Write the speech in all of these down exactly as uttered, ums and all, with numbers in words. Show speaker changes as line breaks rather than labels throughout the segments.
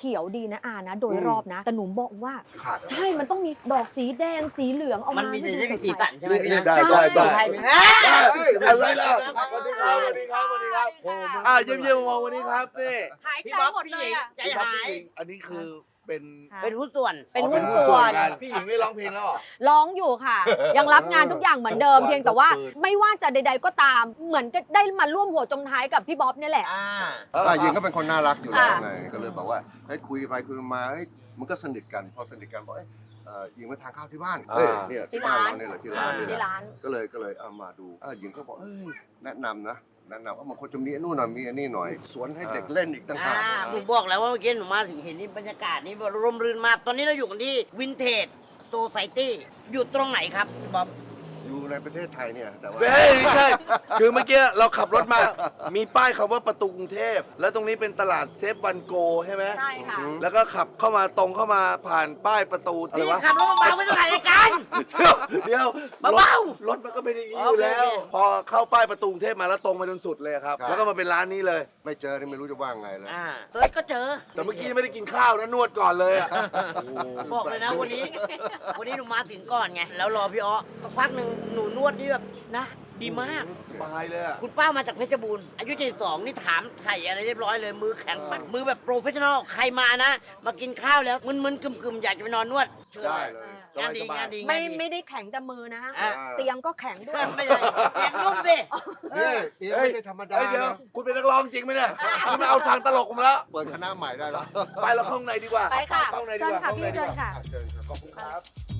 ขียวดีนะอานะโดยรอบนะแต่หนูบอกว่า
ขาด
ใช่มันต้องมีดอกสีแดงสีเหลืองออก
มั
มาน
มี
ให้
จะ
ดู
ได้
ส
มี
ด
สี
ใส
สันใช่ไหม
นี่
พี่
ได้ได้ได้
ไทยไหม
อะไรล่ะสวัสดีครับสวัสดีครับสวัสดีครับอ่าเยี่ยมเยี่ยมมองวันนี้ครับนี่
หาย
พี่
ใจ
บ๊อบ
หมด
พี่
เล
ห
ย
ญิง
อ่ะ
ใจหาย
อันนี้คือเป็น
เป็นหุ้นส่วน
เป็นหุ้นส่วน
กันพี่หญิงไม่ร้องเพลงแล้วเหรอ
ร้องอยู่ค่ะ ยังรับงานทุกอย่างเหมือนเดิม เพียงแต่ว่าไม่ว่าจะใด ๆ ก็ตาม เหมือนก็ได้มาร่วมหัวจมท้ายกับพี่บ๊อบเนี่ยแหละ
อ่า
อ่ะยิงก็เป็นคนน่ารักอยู่แล้ว
อ่ะ
ไงก็เลยบอกว่าเฮ้ยคุยไปคุยมาเฮ้ยมันก็สนิทกันพอสนิทกันบอกเอ้ยเอ่อยิงมาทานข้าวที่บ้านเฮ้ยเนี่ยที่บ้านเราเนี่ยแหละที่ร้านเนี่ย
ที่
แหละ
ร้าน
ก็เลยก็เลยเอามาดูอ่ะยิงก็บอกเอ้ยแนะนำนะแนะนำว่ามันควรจะมีอันนู่นหน่อยมีอันนี้หน่อย สวนให้เด็กเล่นอีกต่าง
อ่า
หาก
ผมบอกแล้วว่าเมื่อกี้หนูมาถึงเห็นนี่บรรยากาศนี่ร่มรื่นมาก ตอนนี้เราอยู่กันที่วินเทจโซไซตี้อยู่ตรงไหนครับพี่บ๊อบ
อยู่ในประเทศไทยเนี่ยแต่ว่า
เฮ้ยไม่ใช่ คือเมื่อกี้เราขับรถมา มีป้ายคำว่าประตูกรุงเทพ แล้วตรงนี้เป็นตลาดเซฟวันโกใช่ไหม
ใช่ค่ะ
แล้วก็ขับเข้ามาตรงเข้ามาผ่านป้ายประตูอะไร
พี่
วะ
ขับรถมาเบาไม่ต้องถ่ายรายการ
เดี๋ยวเดี๋ยว
เบา
ๆรถมันก็เป็นอย่างนี้อยู่แล้ว
โอเค
พอเข้าป้ายประตูกรุงเทพมาแล้วตรงมาจนสุดเลยครับ แล้วก็มาเป็นร้านนี้เลย
ไม่เจอนี่ไม่รู้จะว่าไงเลย
อ่าเซิร์ชก็เจอ
แต่เมื่อกี้ยังไม่ได้กินข้าวนะนวดก่อนเลยอะ
บอกเลยนะวันนี้ วันนี้หนูมาถึงก่อนไง แล้วรอพี่อ้อสักพักหนึ่งหนูนวดนี่แบบนะ ดีมาก
สบายเลยอะ
คุณป้ามาจากเพชรบูรณ์อายุเจ็ดสิบสองนี่ถามไถ่อะไรเรียบร้อยเลย มือแข็งปักมือแบบโปรเฟชชั่นอลใครมานะ มากินข้าวแล้วมึนๆกึ่มๆ อยากจะไปนอนนวดเชิญ
ได้เลย
งานดี
สบายๆ
งานดี
ไม่
งานดี
ไม่ได้แข็งแต่มือนะ
อ่ะ
เตียงก็แข็งด้วย
ไม่ใช่แข็งนุ่มสิ
นี่เตียงไม่ใช่ธรรมดา
เฮ้ยเดี๋ยว
นะ
คุณเป็นนักร้องจริงไหมเนี่ยคุณมาเอาทางตลกผมแล้ว
เปิดคณะใหม่ได้แล้ว
ไปเราเข้าข้างในดีกว่า
ไปค่ะ
เข้าข้างในดี
เชิญ
กว่า
ค่ะ
เข้า
พี่
ข้างใน
เชิ
ดี
ญ
กว่า
ค่ะ
เชิญครับ
ขอบคุณครับ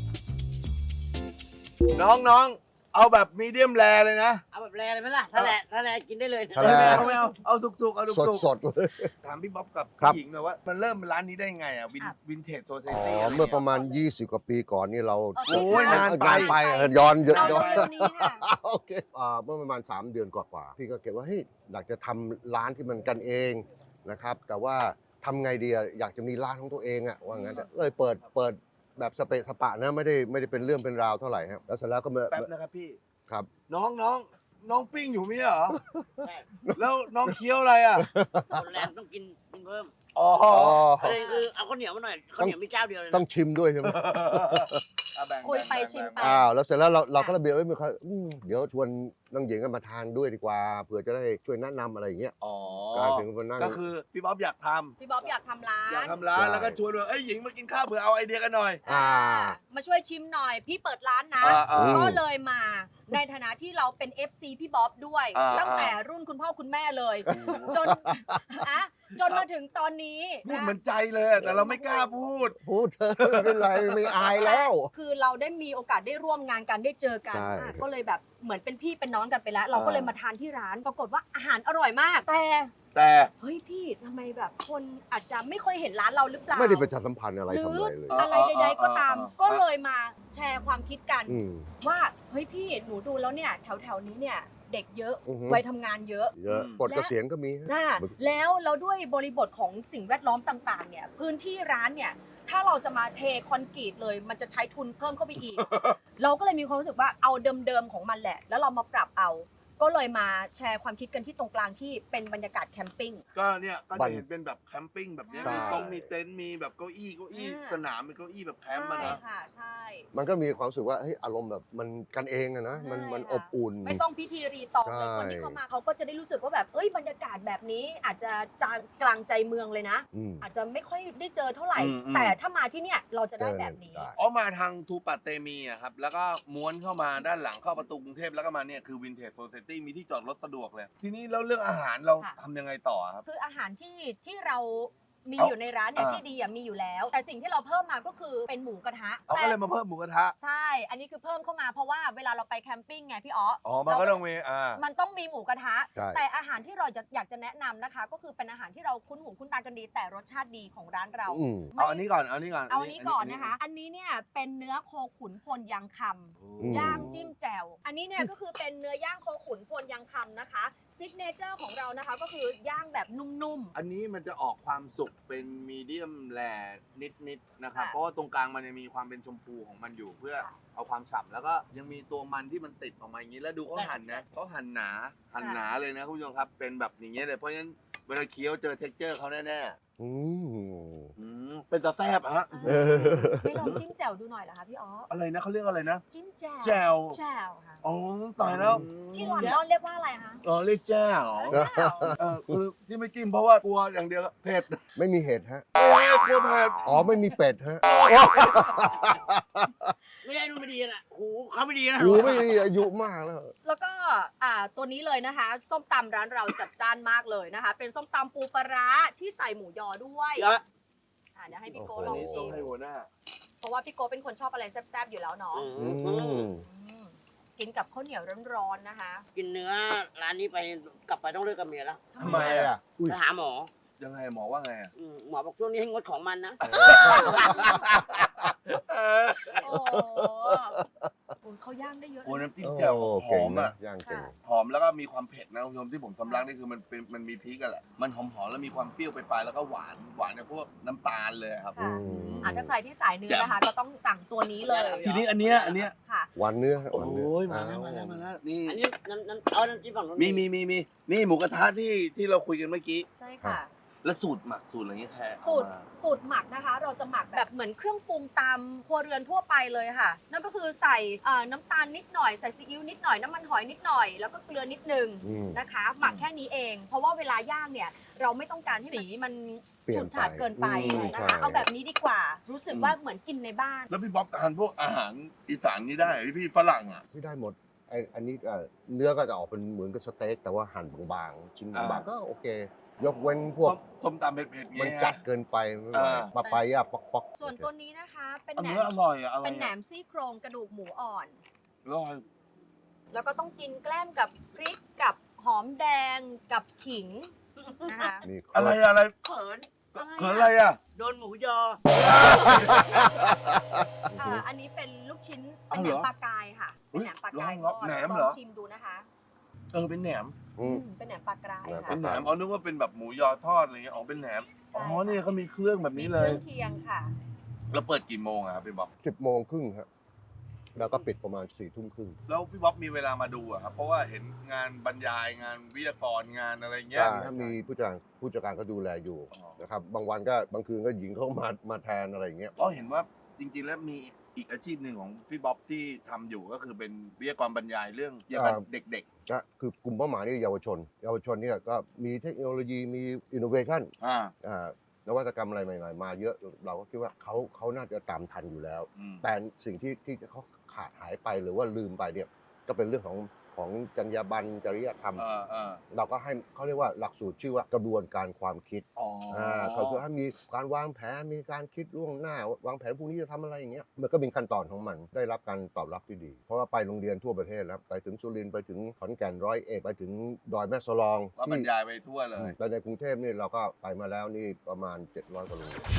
น้องน้องเอาแบบมีเดียมแรเลยนะ
เอาแบบแรเลยไหมล่ะถ้าแรถ้าแรกินได้เลย
ถ้า
ไม่
แร
เอาไม่เอาเอาสุกๆเอา
สด
สุก
สดๆเลย
ๆถามพี่บ๊อบกับ
ครับ
พี่หญิงหน่อยว่ามันเริ่มร้านนี้ได้ไงอ่ะวิน
อ่ะ
วินเทจโซเซ
อ๋อ
ตี้
เมื่อประมาณ ยี่สิบ กว่าปีก่อนนี่เรา
โอเค
โอ้ยนานไป
นานไปเออย้อนเยอะ
เอา
ย้อน
เลยวันนี้ค่ะ
โอเคอ่าเมื่อประมาณ สาม เดือนกว่าๆพี่ก็เก็บว่าเฮ้ยอยากจะทำร้านที่มันกันเองนะครับ แต่ว่าทำไงดีอะอยากจะมีร้านของตัวเองอะว่างั้นอะเลยเปิดเปิดแบบสเปะสปะนะไม่ได้ไม่ได้เป็นเรื่องเป็นราวเท่าไหร่ครับแล้วเสร็จแล้วก็มา
แป๊บนะครับพี่
ครับ
น้องน้องน้องปิ้งอยู่ไหมเหรอ
ใช่
แล้วน้องเคี้ยวอะไรอ่ะ
คนแรงต้องกินกินเพิ่ม
อ๋อ
อ๋อ
ประเด็นคือเอาข้าวเหนียวมาหน่อยข้าวเหนียวมีเจ้าเดียวเลยนะ
ต้องชิมด้วยใช่ไหม
อ่ะแบ่ง
คุยไป
แบ่ง
ชิมไป
แบ่ง
อ้าวแล้วเสร็จแล้วเราเราก็ระเบียบไว้มีใครอืมเดี๋ยวชวนน้องหญิงกันมาทานด้วยดีกว่าเผื่อจะได้ช่วยแนะนำอะไรอย่างเงี้ย
อ๋อ
กลายถึงมานั่ง
ก็คือพี่บ๊อบอยากท
พี่บ๊อบอยากทำร้า
ำอยาก
น
ทำร้าน
ใช่
แล้วก็ชวนว่าเอ้ยหญิงมากินข้าวเผื่อเอาไอเดียกันหน่อย
อ่า
มาช่วยชิมหน่อย พี่เปิดร้านนะ
อ่าอ่า
ก็เลยมาในฐานะที่เราเป็น เอฟ ซี พี่บ๊อบด้วย
อ่า
ตั้งแต่รุ่นคุณพ่อคุณแม่เลย จนอะจนมาถึงตอนนี้
พูด
นะ
เหมือนใจเลยอะแต่เราไม่กล้าพูด
พูดเถอะไม่เป็นไรไม่อายแล้ว
คือเราได้มีโอกาสได้ร่วมงานกันได้เจอกัน
ใช่
อ่ะก็เลยแบบเหมือนเป็นพี่เป็นน้องกันไปแล้ว เราก็เลยมาทานที่ร้านปรากฏว่าอาหารอร่อยมาก แต่
แต่
เฮ้ยพี่ทำไมแบบคนอาจจะไม่ค่อยเห็นร้านเราหรือเปล่า
ไม่ได้ประชาสัมพันธ์อะไร
หรื
ทำ
อ
อะไรเลย
อะไรใด ๆ ก็ตาม ก็เลยมาแชร์ความคิดกัน
อืม
ว่าเฮ้ยพี่หนูดูแล้วเนี่ยแถวแถวๆนี้เนี่ยเด็กเยอะ
อือฮึ
วัยทำงานเยอะ
เยอะปลดเกษียณก็มี
นะแล้วเราด้วยบริบทของสิ่งแวดล้อมต่างๆเนี่ยพื้นที่ร้านเนี่ยถ้าเราจะมาเทคอนกรีตเลย มันจะใช้ทุนเพิ่มเข้าไปอีก เราก็เลยมีความรู้สึกว่าเอาเดิมๆของมันแหละ แล้วเรามาปรับเอา ก็เลยมาแชร์ความคิดกันที่ตรงกลางที่เป็นบรรยากาศแคมปิ้ง
ก็เนี่ยก็
บั
จะ
น
เห็นเป็นแบบแคมปิ้งแบบเนี้ย
ใช่
มีตรงมีเต็นท์มีแบบเก้าอี้เก้าอี้
อ่า
สนามเป็นเก้าอี้แบบแคมป์มา
ใช่
นะ
ค่ะใช่
มันก็มีความรู้สึกว่าเฮ้ยอารมณ์แบบมันกันเองอะนะมัน
ใช่
มัน
ค่ะ
อบอุ่น
ไม่ต้องพิธีรีตองเลย
ใช่
คนที่เข้ามาเขาก็จะได้รู้สึกว่าแบบเอ้ยบรรยากาศแบบนี้อาจจะจางกลางใจเมืองเลยนะ
อืม
อาจจะไม่ค่อยได้เจอเท่าไหร่
อืมอืม
แต่ถ้ามาที่เนี่ยเราจะได้แบบนี้
เจอได้
อ๋อมาทางทูปัตเตมีอะครับแล้วก็ม้วนเข้ามาด้านหลังเข้าประตูกรุงเทพแล้วก็มาเนี่ยคือวินเทจโซเซตี้มีที่จอดรถสะดวกเลย ทีนี้แล้วเรื่องอาหารเรา
ค่ะ
ทำยังไงต่อครับ
คืออาหารที่ที่เรามี
เอา
อยู่ในร้านเนี่ย
อ่า
ที่ดีอะมีอยู่แล้ว แต่สิ่งที่เราเพิ่มมาก็คือเป็นหมูกระทะ
เอา
แต่
ก็เลยมาเพิ่มหมูกระทะ
ใช่ อันนี้คือเพิ่มเข้ามาเพราะว่าเวลาเราไปแคมปิ้งไงพี่อ๋อ
อ๋อมันก็ต้องมีอ่า
มันต้องมีหมูกระทะ
ใช่
แต่อาหารที่เราจะอยากจะแนะนำนะคะ ก็คือเป็นอาหารที่เราคุ้นหูคุ้นตากันดี แต่รสชาติดีของร้านเรา
อืม
เอาอันนี้ก่อนเอาอันนี้ก่อน
เอาอันนี้ก่อนนะคะ อันนี้เนี่ยเป็นเนื้อโคขุนพลยังคำ
อืม
ย่างจิ้มแจ่ว อันนี้เนี่ยก็คือเป็นเนื้อย่างโคขุนพลยังคำนะคะซิกเนเจอร์ของเรานะคะก็คือย่างแบบนุ่ม
อันนี้มันจะออกความสุกเป็นมีเดียมแรนิดๆนะครับ
ค่ะ
เพราะว่าตรงกลางมันจะมีความเป็นชมพูของมันอยู่เพื่อ
ค่ะ
เอาความฉ่ำแล้วก็ยังมีตัวมันที่มันติดออกมาอย่างนี้แล้วดูเขาหั่นนะเขาหั่นหนาหั่นหนาเลยนะคุณผู้ชมครับเป็นแบบอย่างเงี้ยเลยเพราะฉะนั้นเวลาเคี้ยวเจอเท็กเจอร์เขาแน่
ออืม
อืมเป็นตาแซ่บฮะ
เออ
ไม่ลองจิ้มแจ่วดูหน่อยเหรอคะพี่อ๋อ
อะไรนะเขาเรียกอะไรนะ
จิ้มแจ่ว
แจ่ว
แจ่วค่ะ
อ๋อตายแล้ว
ที่ลอนดอนเรียกว่าอะไรคะ
อ๋อเรียกแจ่ว
แจ่ว
เออคือที่ไม่กินเพราะว่ากลัวอย่างเดียวเผ็ด
ไม่มีเห็ดฮะ
โอ้ยกลัวเผ็ด
อ๋อไม่มีเป็ดฮะ
ไม่ได้ดูไม่ดีนะหูเขาไม่ดีนะ
หูไม่มีอายุมากแล้ว
แล้วก็อ่าตัวนี้เลยนะคะ ส้มตำร้านเราจัดจ้านมากเลยนะคะ เป็นส้มตำปูปลาร้าที่ใส่หมูยอด้วย
เยอะ
อ่าเดี๋ยวให้พี่โก้
โอ้โห
ลอง
นี่
ชิ
ต้อง
ม
ให้หัวหน้า
เพราะว่าพี่โก้เป็นคนชอบอะไรแซ่บๆอยู่แล้วเนาะ
อื
อื
ม
ม
อืมกินกับข้าวเหนียวร้อนๆนะคะ
กินเนื้อร้านนี้ไปกลับไปต้องเลิกกับเมียแล้ว
ทำไมอ่ะ
อุ้ย
ไปหาหมอ
ยังไงหมอว่าไงอ่ะ
อืมหมอบอกช่วงนี้ให้งดของมันนะ
โอ้โหโอ้ยเขาย่างได้เยอะ
โอ้
เลย
น้ำจิ้ม
โอ้
แจ่วห
เก่
อง ม
นะ
อ่ะ
ย่างเก่ง
หอมแล้วก็มีความเผ็ดนะคุณผู้ชมที่ผมสำลักนี่คือมันเป็นมันมีพริกกันแหละ มันหอมๆแล้วมีความเปรี้ยวไปลายๆแล้วก็หวานหวานในพวกน้ำตาลเลยครับ
ค่ะ
อืม
อ่ะถ้าใครที่สายเนื้อนะคะ ก็ต้องสั่งตัวนี้เลย
ทีนี้อันเนี้ยอันเนี้ย
ค่ะ
หวานเนื้อฮะห
โอ้
วานเนื้อย
มาแล้วมาแล้วมาแล้วนี่
อันนี้น้ำน้ำเอาน้ำจิ้มฝั่งนู้น
มีมีมีมีนี่หมูกระทะที่ที่เราคุยกันเมื่อกี้
ใช่ค่ะ
แล้วสูตรหมักสูตรอะไรเงี้ยแท้
สูตรสูตรหมักนะคะ เราจะหมักแบบเหมือนเครื่องปรุงตามครัวเรือนทั่วไปเลยค่ะ นั่นก็คือใส่เอ่อน้ำตาลนิดหน่อยใส่ซีอิ๊วนิดหน่อยน้ำมันหอยนิดหน่อยแล้วก็เกลือนิดนึง
อืม
นะคะ หมักแค่นี้เอง เพราะว่าเวลาย่างเนี่ย เราไม่ต้องการให้สีมัน
เปลี่ย
ฉู
น
ด
ไป
ฉาดเกินไป
อืม
นะ
ใช่
คะเอาแบบนี้ดีกว่า รู้สึกว่าเหมือนกินในบ้าน
แล้วพี่บ๊อบทานพวกอาหารอีสานนี่ได้พี่พี่ฝรั่งอ่ะ
ไม่ได้หมดไออันนี้เอ่อเนื้อก็จะออกเป็นเหมือนกับสเต็กแต่ว่าหั่นบางๆชิ้น
อ่า
บางๆก็โอเค ยกเว้นพวก
ส้มตำเผ็ดๆเงี้ย
มันจัดเกินไปไม่ไหว
อ่า
ปลาไปย่าป๊อกป๊อก
ส่วนตัวนี้นะคะ เป็น
อัน
แหน
เนื้อ
ม
อร่อยอะอะไร
เป็นแหน
อะ
มซี่โครงกระดูกหมูอ่อน
อร่อย
แล้วก็ต้องกินแกล้มกับพริกกับหอมแดงกับขิงนะคะ
นี่
อะไรอะไร
เขิน
เขินอะไรอ่ะ
โดนหมูยอ
อ่าอันนี้เป็นลูกชิ้น
เอา
เป็น
เห
แหน
รอ
มปลากายค่ะ
อุ๊
เป็น
ย
แหนมปลากาย
ลอง
ทอด
แหนม
ล
เหร
อ
อ
งชิมดูนะคะ
เออเป็นแหนม
อืม
อืมเป็นแหนมปลากราย
แหนม
ค่ะ
เป็นแหนมเอานึกว่าเป็นแบบหมูยอทอดอะไรเงี้ยอ๋อเป็นแหนมอ๋อ
ใช่ค่ะ
เนี่ยเขามีเครื่องแบบ
มี
นี้
เค
เลย
รื่องเคียงค่ะ
แล้วเปิดกี่โมงอะครับพี่บ๊อบ
สิบโมงครึ่งครับแล้วก็ปิดประมาณสี่ทุ่มครึ่ง
แล้วพี่บ๊อบมีเวลามาดูอะครับเพราะว่าเห็นงานบรรยายงานวิทยากรงานอะไรเงี้ย
ใช่ถ้ามีผู้จัดการผู้จัดการก็ดูแลอยู่
อ๋อ
นะครับบางวันก็บางคืนก็หญิงเข้ามามาแทนอะไรอย่างเงี้ย
ก็เห็นว่าจริงๆแล้วมีอีกอาชีพหนึ่งของพี่บ๊อบที่ทำอยู่ก็คือเป็นวิทยากรบรรยายเรื่องเกี่ยวกับเด็ก
นะคือกลุ่มเป้าหมายนี่เยาวชน เยาวชนเนี่ยก็มีเทคโนโลยีมีอินโนเวชัน
ๆอ่า
อ่านวัตกรรมอะไรใหม่ๆ มาเยอะเราก็คิดว่าเขาเขาน่าจะตามทันอยู่แล้ว
อืม
แต่สิ่งที่ที่เขาขาดหายไปหรือว่าลืมไปเนี่ยก็เป็นเรื่องของของจรรยาบรรณจริยธรรม
เออเออ
เราก็ให้เขาเรียกว่าหลักสูตรชื่อว่ากระบวนการความคิด
อ๋ออ่
าก็คือให้มีการวางแผนมีการคิดล่วงหน้าวางแผนพรุ่งนี้จะทำอะไรอย่างเงี้ยมันก็เป็นขั้นตอนของมันได้รับการตอบรับที่ดี เพราะว่าไปโรงเรียนทั่วประเทศแล้วไปถึงสุรินทร์ไปถึงขอนแก่นร้อยเอ็ดไปถึงดอยแม่สลอง
ว่าบรรยายไปทั่วเลย
แต่ในกรุงเทพนี่เราก็ไปมาแล้วนี่ประมาณเจ็ดร้อยกว่าโรงเรียน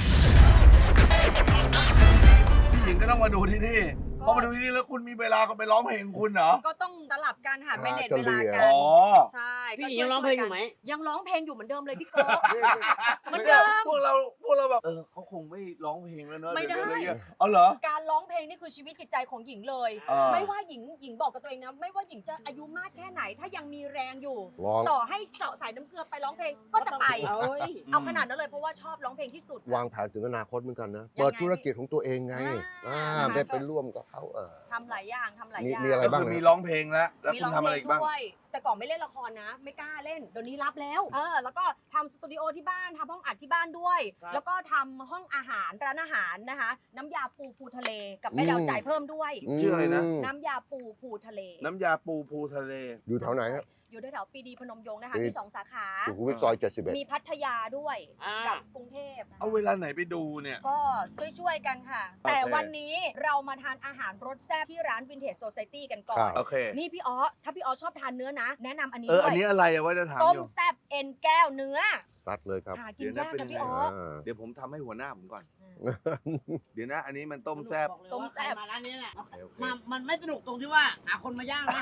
พี่หญิงก็ต้องมาดูที่นี่พอมาดูที่นี่แล้วคุณมีเวลาก็ไปร้องเพลงคุณเหรอ
ก็ต้องสลับกันค่ะ
หา
ไม่เน็ต
จะ
เวลา
เรียน
กั
อ๋
น
อ
ใช่
พี่
ก็
หญิงยังร้องเพลงอยู่ไหม
ยังร้องเพลงอยู่เหมือนเดิมเลยพี่โก้ เหมือนเดิม
พวกเราพวกเราแบบเออเขาคงไม่ร้องเพลงแล้วเนอะ
ไม่ได้
เยวอะไรเงี้ยอ๋อเหรอ
การร้องเพลงนี่คือชีวิตจิตใจของหญิงเลย
อ่า
ไม่ว่าหญิงหญิงบอกกับตัวเองนะ ไม่ว่าหญิงจะอายุมากแค่ไหน ถ้ายังมีแรงอยู่
ร้อง
ต่อให้เจาะสายน้ำเกลือไปร้องเพลงก็จะไป
เอ้ย
เอาขนาดนั้นเลยเพราะว่าชอบร้องเพลงที่สุด
วางแผนถึงอนาคตเหมือนกันนะ
ยังไง
เปิดธุรกิจของตัวเองไง
อ่า
อ่าได้ไปร่วมกับเขาเออ
ทำหลายอย่างทำหลาย
มี
อย่าง
มีอะไร
ก็
บ้าง
คือ
นะ
มีร้องเพลงแล้วแล้ว
มี
คุ
ร้
ณ
อง
ทำ
เพ
อะไร
ลง
อีกบ้าง
ด้วย แต่ก่อนไม่เล่นละครนะ ไม่กล้าเล่น เดี๋ยวนี้รับแล้ว เออ แล้วก็ทำสตูดิโอที่บ้านทำห้องอัดที่บ้านด้วย
ครับ
แล้วก็ทำห้องอาหารร้านอาหารนะคะ น้ำยาปูปูทะเลกับแม่ดาวจ่ายเพิ่มด้วย
ชื่ออะไรนะ
ม
น้ำยาปูปูทะเล
น้ำยาปูปูทะเล
อยู่แถวไหนฮะ
อยู่แถวๆปรีดีพนมยงค์นะคะ
ปี
มีสองสาขา
สุขุมวิทซอยเจ็ดสิบเอ็ด
มีพัทยาด้วย
อ่า
กับกรุงเทพนะคะ
เอาเวลาไหนไปดูเนี่ย
ก็ช่วยๆกันค่ะ
โอเค
แต่วันนี้เรามาทานอาหารรสแซ่บที่ร้าน Vintage Society กันก่อ
ครั
น
บ
โอเค
นี่พี่อ๋อถ้าพี่อ๋อชอบทานเนื้อนะ แนะนำอันนี้
เออ
ด้
อัน
วย
นี้อะไรอะว่าจะถาม
ต้
อ
ม
ยู่
แซ่บเอ็นแก้วเนื้อ
ซัดเลยครับ
หากิน
เดี๋ยวนะ
ยาก
เป็น
นะ
ยังไง
พี่อ๋อ
อ่า
เดี๋ยวผมทำให้หัวหน้าผมก่อน
อืม
เดี๋ยวนะ อันนี้มันต้มแซ่บ
บอกเลย
ต้ม
ว่า
แซ่บ
ใครมาร้านนี้แหละ
โอเคโอเค
มามันไม่สนุกตรงที่ว่าหาคนมาย่างนะ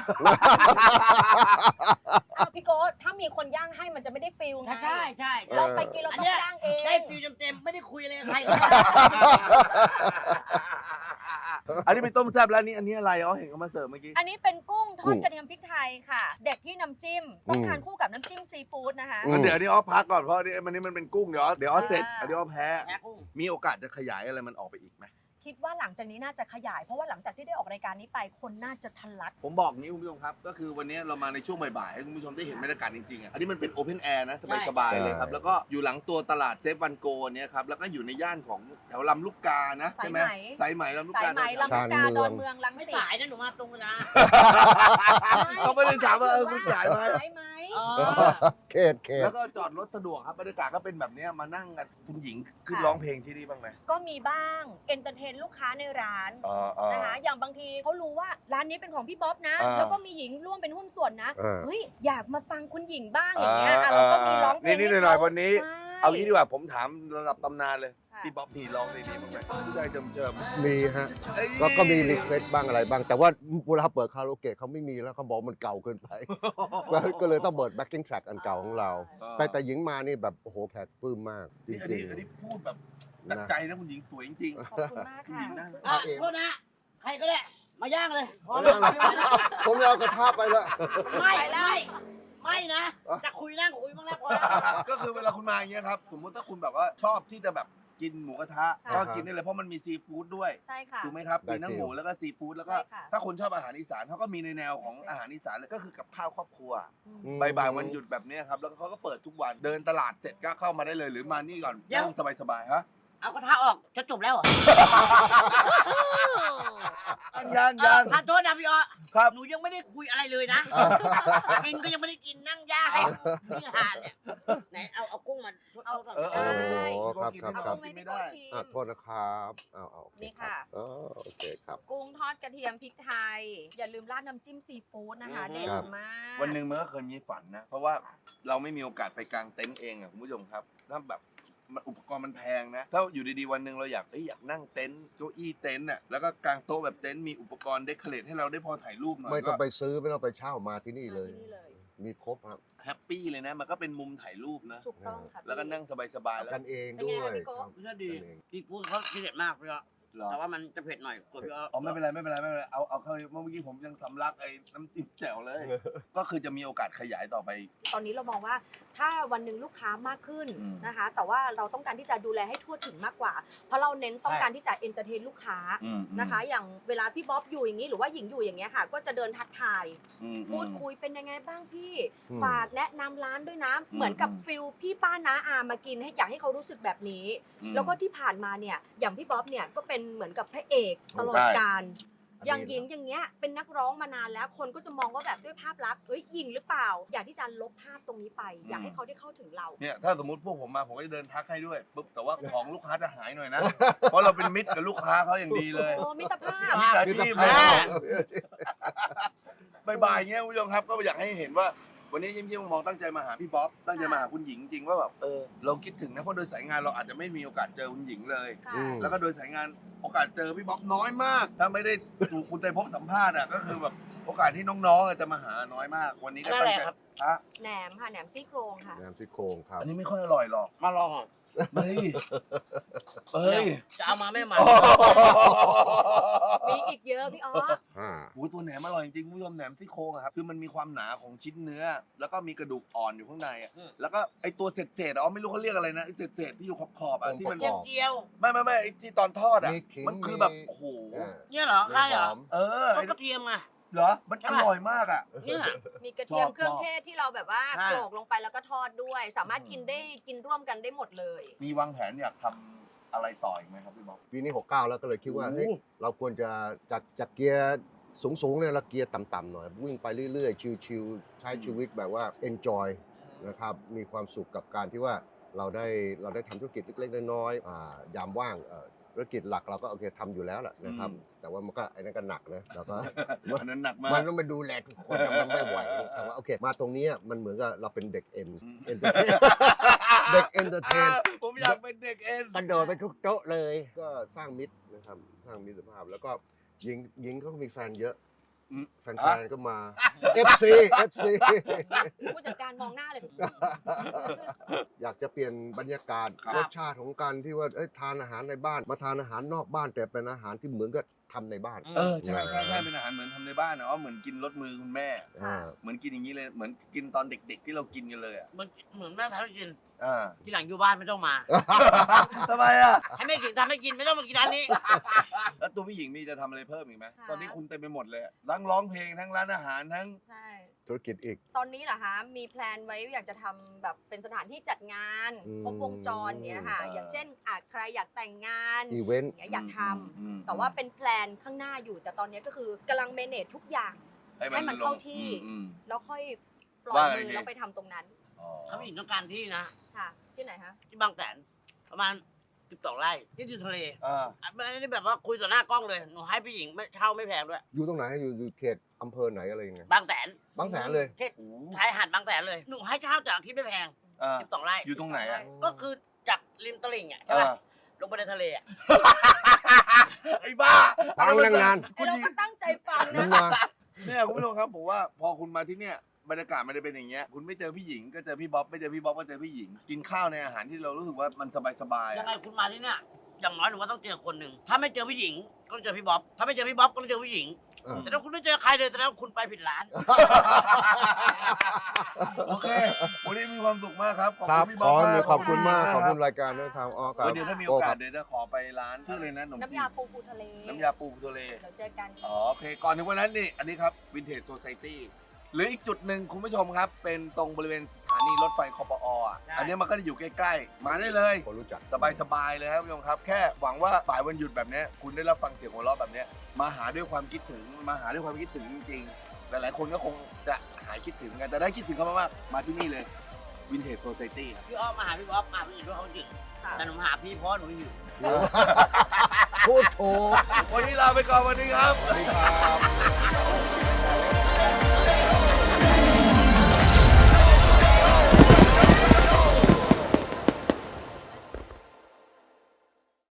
อ้าวพี่โก้ถ้ามีคนย่างให้มันจะไม่ได้ฟิลไง
ใช่ใช่
เราไปกินเรา
อัน
ต้อ
เนี้
ง
ย
ย่างเอง
ได้ฟิวเต็มๆไม่ได้คุยเลยกับใคร
อันนี้เป็นต้มแซ่บแล้วนี่อันนี้อะไรอ๋อเห็นเขามาเสิร์ฟเมื่อกี้
อันนี้เป็นกุ้งท
กุ้
อด
ง
กระเทียมพริกไทยค่ะ เด็ดที่น้ำจิ้มต้อง
อืม
ทานคู่กับน้ำจิ้มซีฟู้ดนะคะ
อืม
งั้นเดี๋ยวอันนี้อ๋อพักก่อนเพราะอันนี้มันนี่มันเป็นกุ้งเดี๋ยวเดี๋ยวอ๋อเสร็จ
อ่า
อันนี้อ๋อแพ้
แพ้กุ้ง
มีโอกาสจะขยายอะไรมันออกไปอีกไหม
คิดว่าหลังจากนี้น่าจะขยาย เพราะว่าหลังจากที่ได้ออกรายการนี้ไปคนน่าจะทะลัก
ผมบอกงี้คุณผู้ชมครับก็คือวันนี้เรามาในช่วงบ่ายๆให้คุณผู้ชมได้เห็นบรรยากาศจริงๆอ่ะอันนี้มันเป็นโอเพนแอร์นะสบายๆเลยครับแล้วก็อยู่หลังตัวตลาดเซฟวันโกเนี่ยครับแล้วก็อยู่ในย่านของแถวลำลูกกานะใช่ไหม
สายไหม
สายไหมลำลูก
สาย
กา
ไหมลำลูกกาดอนเมืองลัง
ไม่
สิต
สายนะหนูมาตรงเวลา
เขาไม่ได้ถามว่าเออคุณสายไหม
สายไหม
อ๋อ
เขตเขต
แล้วก็จอดรถสะดวกครับบรรยากาศก็เป็นแบบเนี้ยมานั่งกันคุณหญิงขึ้นร้องเพลงที่นี่บ้างไหม
ก็มีบ้างเอนเตอร์เทนลูกค้าในร้าน
อ๋ออ๋อ
นะคะอย่างบางทีเขารู้ว่าร้านนี้เป็นของพี่บ๊อบนะ
อ่า
แล้วก็มีหญิงร่วมเป็นหุ้นส่วนนะ
อ่า
เฮ้ยอยากมาฟังคุณหญิงบ้างอย่างเงี้ยอ่ะเราก็มีร้องเพลง
นี่
ให้
ๆหน่อย
ขา
ๆวันนี้
ใช่
เอางี้ดีกว่าผมถามระดับตำนานเลย
ค่ะ
พี่บ๊อบมีร้องในนี้บ้างไหมผู้ชายเจิมเจิม
มีฮะ
ๆเอ้ย
แล้วก็มีรีเควสบ้างอะไรบ้าง แต่ว่าเวลาเปิดคาราโอเกะเขาไม่มีแล้วเขาบอกมันเก่าเกินไป ก็เลยต้องเปิด backing track อันเก่าของเรา แต่แต่หญิงมานี่แบบโอ้โหแขกปลื้มมาก จ
นี่อัน
ริ
นี้
ง
อันนี้พูดแบบ
ๆ
จาก
นะ
ใจนะคุณหญิงสวยจริง
ขอบคุณมาก
ๆคุณ
ค่ะ
หญิงนะ
อ่ะโทษนะ ใครก็ได้ มาย่างเลยพอ
เอา
แล้ว
ละผมเอากระทะไปแล้ว
ไม่ไม่ไม่นะ จะคุยนั่งคุยบ้างแล้วพอแล้ว
ก็คือเวลาคุณมาอย่างเงี้ยครับสมมติถ้าคุณแบบว่าชอบที่จะแบบกินหมูกระทะ
ค่ะ
ก็กินได้เลยเพราะมันมีซีฟู้ดด้วย
ใช่ค่ะ
ถูกไหมครับ
ได้
มีทั้ง
ฟิล
หมูแล้วก็ซีฟู้ดแล้วก็
ใช่ค่ะ
ถ้าคนชอบอาหารอีสานเขาก็มีในแนวของอาหารอีสานเลยก็คือกับข้าวครอบครัว
อืม
อืม
บ่ายๆวันหยุดแบบเนี้ยครับแล้วเขาก็เปิดทุกวันเดินตลาดเสร็จก็เข้ามาได้เลยหรือมานี่ก่อน
เดี๋ยว
นั่งสบายๆฮะ
เอากระทะออกจะจบแล้วเหรอ
ยังยัง
ทานโทษนะพี่อ๋อ
ครับ
หนูยังไม่ได้คุยอะไรเลยนะ กินก็ยังไม่ได้กินนั่งย่าให้นี่หานเนี่ยไหนเอาเอากุ้งมาทด
เอา
ทด
เออเอ
ได้
อ
โอ้ครับ
กิน
ครับ
ไม่
เอา
ได้
กุ้ง
กิ
ให้
น
พี่
ไม่
โก
ได้
ชิม
อ่ะโทษนะครับเอาเอาโอเค
นี่
ครั
ค่ะ
บอ๋อโอเคครับ
กุ้งทอดกระเทียมพริกไทย อย่าลืมราดน้ำจิ้มซีฟู้ดนะคะ เด็ด
ครับ
มาก
วันหนึ่งมันก็เคยมีฝันนะ เพราะว่าเราไม่มีโอกาสไปกางเต็นท์เองอะคุณผู้ชมครับถ้าแบบมันอุปกรณ์มันแพงนะ ถ้าอยู่ดีๆวันหนึ่งเราอยากเอ้ยอยากนั่งเต็นท์เก้าอี้เต็นท์อะแล้วก็กางโต๊ะแบบเต็นท์มีอุปกรณ์เดคอเรทให้เราได้พอถ่ายรูปหน่อย
ไม่ต้อง
ก็
ไปซื้อไม่ต้องไปเช่ามาที่นี่เลย
มาที่นี่เลย
มีครบครับ
แฮปปี้เลยนะ มันก็เป็นมุมถ่ายรูปนะ
ถูกต้องค่ะ
แล้วก็นั่งสบายๆแล้ว
กันเอง
เป็น
ด้
ไง
วย
คะพี่โก้
ครับ
ไม่ใช่ดี
กันเอง
ซีฟู้ดเขาทีเด็ดมากพี่อ๋อ
เหรอ
แต่ว่ามันจะเผ็ดหน่อยกว่าพี่อ๋อ
อ๋อไม่เป็นไรไม่เป็นไรไม่เป็นไรเอาเอาเข้าเมื่อกี้ผมยังสำลักไอ้น้ำจิ้มแจ่วเลย ก็คือจะมีโอกาสขยายต่อไป
ตอนนี้เรามองว่าถ้าวันหนึ่งลูกค้ามากขึ้น
อืม
นะคะ แต่ว่าเราต้องการที่จะดูแลให้ทั่วถึงมากกว่า เพราะเราเน้นต้องการที่จะเอนเตอร์เทนลูกค้า
อืม
นะคะ อย่างเวลาพี่บ๊อบอยู่อย่างนี้หรือว่าหญิงอยู่อย่างเงี้ยค่ะ ก็จะเดินทักทาย
อืม
พูดคุยเป็นยังไงบ้างพี่
อืม
ฝากแนะนำร้านด้วยนะ
อืม
เหมือนกับฟิลพี่ป้าน้าอามากินให้อยากให้เขารู้สึกแบบนี้
อืม
แล้วก็ที่ผ่านมาเนี่ยอย่างพี่บ๊อบเนี่ยก็เป็นเหมือนกับพระเอกตลอด
ใช่
การ
อันนี้
อย่างหญิงอย่างเงี้ยเป็นนักร้องมานานแล้วคนก็จะมองว่าแบบด้วยภาพลักษณ์เอ้ยหญิงหรือเปล่า อยากที่จะลบภาพตรงนี้ไป อยากให้เขาได้เข้าถึงเรา
เนี่ยถ้าสมมติพวกผมมาผมก็จะเดินทักให้ด้วยปุ๊บแต่ว่าของลูกค้าจะหายหน่อยนะ เพราะเราเป็นมิตรกับลูกค้าเขาอย่างดีเลย
โอ้มิตรภาพ
มิจฉา
มีแต่
ชีพ
ภา
นะ
พ
บ่ายๆเงี้ยคุณผู้ชมครับก็อยากให้เห็นว่า วันนี้ยิ้มยิ้มมองตั้งใจมาหาพี่บ๊อบตั้งใจมาหาคุณหญิงจริงว่าแบบเออเราคิดถึงนะเพราะโดยสายงานเราอาจจะไม่มีโอกาสเจอคุณหญิงเลย
ค่ะ
อืม
แล้วก็โดยสายงานโอกาสเจอพี่บ๊อบน้อยมาก ถ้าไม่ได้ถูกคุณเตยพบสัมภาษณ์อ่ะก็คือแบบโอกาสที่น้องๆจะมาหาน้อยมาก วันนี้ก็ตั้งใจฮะ
แหนมค่ะแหนมซี่โครงค่ะ
น้ำซี่โครงครับ
อันนี้ไม่ค่อยอร่อยหรอก
มาลองอ่ะ
เฮ้ยเฮ้ย
จะเอามาไม่มา
มีอีกเยอะพี่อ๋อ
อ่า
โอ้ยตัวแหนมอร่อยจริงๆคุณผู้ชมแหนมซี่โครงอะครับคือมันมีความหนาของชิ้นเนื้อ แล้วก็มีกระดูกอ่อนอยู่ข้างในอะ
อืม
แล้วก็ไอตัวเศษเศษๆอ๋อไม่รู้เขาเรียกอะไรนะไอเศษเศษๆที่อยู่ขอบขอบๆอะที่มัน
เจียวเจียว
ไม่ไม่ไม่ไอที่ตอนทอดอะ
มีขิง
มันคือแบบ
มี
โอ้โห
อ่า
เนี่ยเหรอใช่เหรอ
หอม
เออ
เขา
ไอ้
กระเทียมอ่ะ
เหรอมัน
ใช่
อ
ปะ
ร่อยมากอะ
เนี่ย
มีกระเทียม
ชอบ
เครื่อง
ชอบ
เทศที่เราแบบว่า
ใช่
โขลกลงไปแล้วก็ทอดด้วย สามารถกินได้กินร่วมกันได้หมดเลย
มีวางแผนอยากทำอะไรต่ออีกไหมครับพี่บ๊อบ
ปีนี้หกเก้าแล้วก็เลยคิดว่า
โอ้
เฮ้ยเราควรจะจากจากเกียร์สูงๆเนี่ยเราเกียร์ต่ำๆหน่อย วิ่งไปเรื่อยๆ ชิลๆ ใช้ชีวิตแบบว่า enjoy นะครับมีความสุขกับการที่ว่าเราได้เราได้ทำธุรกิจเล็กๆน้อยๆอ่ายามว่างเอ่อธุรกิจหลักเราก็โอเคทำอยู่แล้วแหละนะครับ แต่ว่ามันก็ไอ้นั่นก็หนักนะเราก็
อันนั้นหนักมา
มัน
ก
ต้องไปดูแลทุกคนนะมันไม่ไหวแต่ว่าโอเค มาตรงนี้มันเหมือนกับเราเป็นเด็กเอ็น
อืม
เอ็นเตอร์เทนเด็กเอนเตอร์เทน
ผมอยากเป็นเด็กเอ็น
กระโดดไปทุกโต๊ะเลย ก็สร้างมิตรนะครับสร้างมิตรภาพ แล้วก็หญิงหญิงเขาก็มีแฟนเยอะ
อืม
แฟนๆก็มา เอฟ ซี เอฟ ซี
ผู้จัดการมองหน้าเลย
อยากจะเปลี่ยนบรรยากาศ
ครับ
รสชาติของการที่ว่าเอ้ยทานอาหารในบ้านมาทานอาหารนอกบ้านแต่เป็นอาหารที่เหมือนกับทำในบ้าน
อืม
เออใช่ใช่ใช่เป็นอาหารเหมือนทำในบ้านนะอ๋อเหมือนกินรสมือคุณแม่
อ่า
เหมือนกินอย่างนี้เลยเหมือนกินตอนเด็ก ๆ ที่เรากินกันเลยอ่ะ
มันเหมือนแม่ทำให้กิน
อ่า
ทีหลังอยู่บ้านไม่ต้องมา
ทำไมอ่ะ
ให้แม่กินทำให้กินไม่ต้องมากินร้านนี้
แล้วตัวพี่หญิงมีจะทำอะไรเพิ่มอีกไหม
ค่ะ
ตอนนี้คุณเต็มไปหมดเลยอะทั้งร้องเพลงทั้งร้านอาหารทั้ง
ใช่
ธุรกิจอีก
ตอนนี้เหรอคะมีแพลนไว้อยากจะทำแบบเป็นสถานที่จัดงาน
อืม
ครบวงจรเนี้ยค่ะ
อ่า
อย่างเช่นอาจใครอยากแต่งงาน
อีเวนต์
อย่างเงี้ยอยากทำ
อืม
แต่ว่าเป็นแพลนข้างหน้าอยู่ แต่ตอนนี้ก็คือกำลังเมเนจทุกอย่าง ให้มัน
ลง
เข้าที่
อืม
แล้วค่อยปล่อย
ว่าไง
มือ
ที
แล้วไปทำตรงนั้น
อ๋อ
เขาผู้หญิงต้องการที่นะ
ค่ะ ที่ไหนคะ
ที่บางแสนประมาณสิบสองไร่ที่อยู่ทะเล
อ่า
อ่ะไม่ได้แบบว่าคุยต่อหน้ากล้องเลยหนูให้ผู้หญิงไม่เช่าไม่แพงด้วย
อยู่ตรงไหนอยู่อยู่เขตอำเภอไหนอะไรยังไง
บางแสน
บางแสนเลย
เขต
โอ้
ชายหาดบางแสนเลยหนูให้เช่าจากที่ไม่แพง
อ่า
สิบสองไร่
อยู่ตรงไหนอ่ะ
ก็คือจากริมตลิ่งอ่ะใช่ป่ะ
อ่า
ลงไปในทะเลอ่ะ
ไอ้บ้า
ฟังตั้งนาน
ไอ้เราก็ตั้งใจฟัง
มึ
นะ
งมา
เนี่ยคุณผู้ชมครับผมว่าพอคุณมาที่เนี่ยบรรยากาศมันจะเป็นอย่างเงี้ยคุณไม่เจอพี่หญิงก็เจอพี่บ๊อบไม่เจอพี่บ๊อบก็เจอพี่หญิง กินข้าวในอาหารที่เรารู้สึกว่ามันสบายๆ
ยัง
อะ
ไงคุณมาที่เนี่ยอย่างน้อยหนูว่าต้องเจอคนหนึ่งถ้าไม่เจอผู้หญิงก็ต้องเจอพี่บ๊อบถ้าไม่เจอพี่บ๊อบก็ต้องเจอผู้หญิง
อ่า
แต่ถ้าคุณไม่เจอใครเลยแสดงว่าคุณไปผิดร้าน
โอเค วันนี้มีความสุขมากครับ ขอบ
ครั
คุ
บ
ณพี่
ข
บ๊อ
อบ
มาก
ขอบคุณมาก ขอบคุณ
รั
รายการด้วยครับอ๋อครับ
เดี๋ยวถ้ามีโอกาสเดี๋ยวจะขอไปร้านชื่อเลยนะขนม
น้ำ
จี
ยาน ปูปูทะเล
น้ำยาปูทะเล
เดี๋ยวเจอกัน
อ๋อโอเค ก่อนถึงวันนั้นนี่ อันนี้ครับวินเทจโซ i ายตี้หรืออีกจุดหนึ่งคุณผู้ชมครับ เป็นตรงบริเวณสถานีรถไฟคอปออ่ะ
ใช่
อันนี้มันก็จะอยู่ใกล้ๆ มาได้เลย
คนรู้จัก
สบายๆเลยครับคุณผู้ชมครับ แค่หวังว่าบ่ายวันหยุดแบบเนี้ยคุณได้รับฟังเสียงหัวเราะแบบเนี้ยมาหาด้วยความคิดถึง มาหาด้วยความคิดถึงจริงๆ หลายๆคนก็คงจะหายคิดถึงกัน แต่ได้คิดถึงเขามากๆมาที่นี่เลยวินเทจโซ i ายตี้ครับ
พี่อ้อมมาหาพี่บ๊อบมาผู้หญิงด้วยเขาจริง
ค่ะ
แต่หนูมาหาพี่เพราะหนูอยู่
พูดถูก
วันนี้ลาไปก่อนวันนี้ครับ
สวัสดีครับ